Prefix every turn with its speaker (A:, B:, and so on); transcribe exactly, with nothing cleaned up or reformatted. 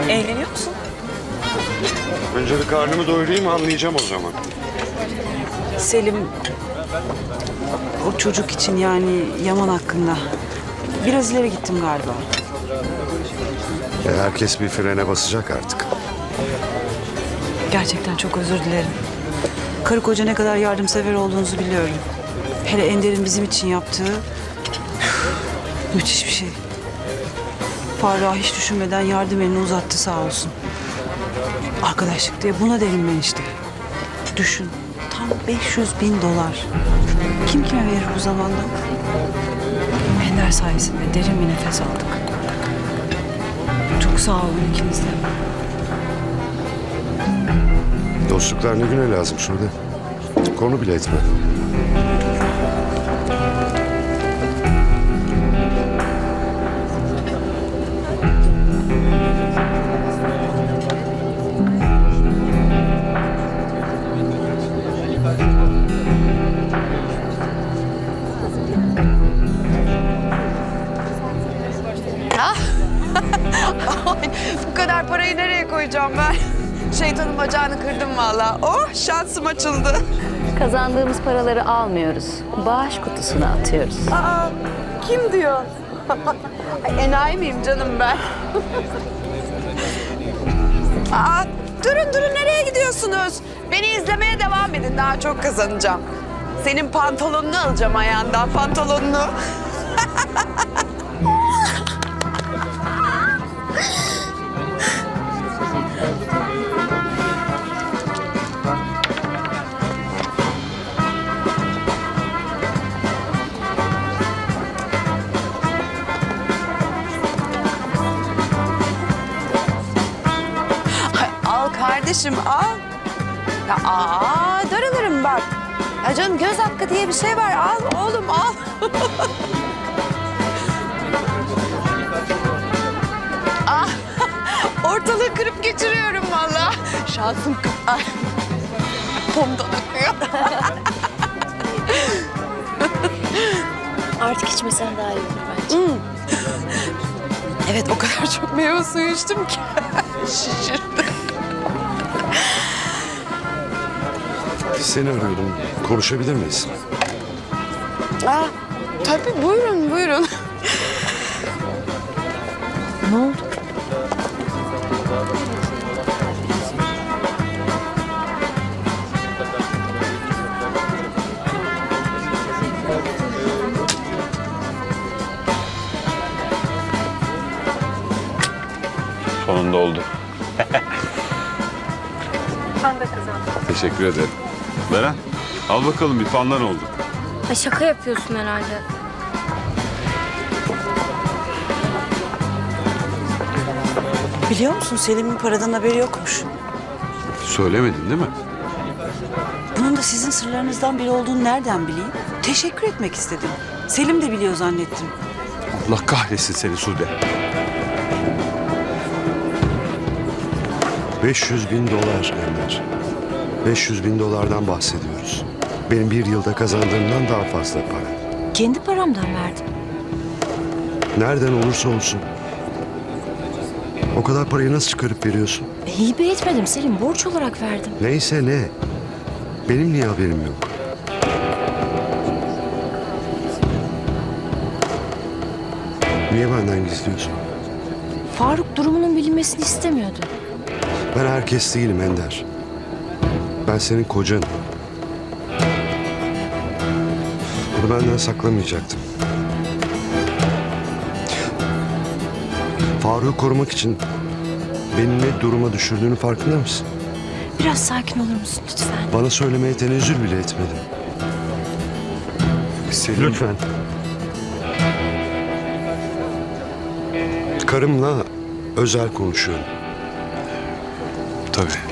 A: Eğleniyor musun?
B: Önce bir karnımı doyurayım, anlayacağım o zaman.
A: Selim, o çocuk için yani Yaman hakkında biraz ileri gittim galiba.
B: E, herkes bir frene basacak artık.
A: Gerçekten çok özür dilerim. Karı koca ne kadar yardımsever olduğunuzu biliyorum. Hele Ender'in bizim için yaptığı müthiş bir şey. Faruk'a hiç düşünmeden yardım elini uzattı sağ olsun. Arkadaşlık diye buna derim ben işte. Düşün, tam beş yüz bin dolar. Kim kime verir bu zamanda? Ender sayesinde derin bir nefes aldık. Çok sağ olun ikiniz de.
B: Dostluklar ne güne lazım şurada. Konu bile etme.
C: Bu kadar parayı nereye koyacağım ben? Şeytanın bacağını kırdım vallahi. Oh, şansım açıldı.
D: Kazandığımız paraları almıyoruz. Bağış kutusuna atıyoruz.
C: Aa, kim diyor? Ay, enayi miyim canım ben? Aa, durun durun, nereye gidiyorsunuz? Beni izlemeye devam edin, daha çok kazanacağım. Senin pantolonunu alacağım ayağından, pantolonunu. Kardeşim al. Ya aa, darılırım bak. Ya canım, göz hakkı diye bir şey var. Al oğlum, al. Ah, ortalığı kırıp geçiriyorum vallahi. Şansım kırk. Ay, pomdan akıyor.
D: Artık içmesen daha iyi olur bence.
C: Hmm. Evet, o kadar çok meyve suyu içtim ki. Şişirdim.
B: Seni arıyordum. Konuşabilir miyiz?
C: Aa, tabii, buyurun buyurun.
D: Ne oldu?
E: Sonunda oldu.
D: Ben de kazandım.
E: Teşekkür ederim. Beren, al bakalım bir fandan olduk.
D: Ay şaka yapıyorsun herhalde.
A: Biliyor musun Selim'in paradan haberi yokmuş.
B: Söylemedin değil mi?
A: Bunun da sizin sırlarınızdan biri olduğunu nereden bileyim? Teşekkür etmek istedim. Selim de biliyor zannettim.
E: Allah kahretsin seni Sude.
B: beş yüz bin dolar Ender. beş yüz bin dolardan bahsediyoruz. Benim bir yılda kazandığımdan daha fazla para.
D: Kendi paramdan verdim.
B: Nereden olursa olsun. O kadar parayı nasıl çıkarıp veriyorsun?
D: E, hibe etmedim Selim. Borç olarak verdim.
B: Neyse ne. Benim niye haberim yok? Niye benden gizliyorsun?
D: Faruk durumunun bilinmesini istemiyordu.
B: Ben herkes değilim Ender. Ben senin kocanım. Bunu benden saklamayacaktım. Faruk'u korumak için beni ne duruma düşürdüğünü farkında mısın?
D: Biraz sakin olur musun lütfen?
B: Bana söylemeye tenezzül bile etmedin.
E: Selim.
B: Lütfen. Karımla özel konuşuyorum.
E: Tabii.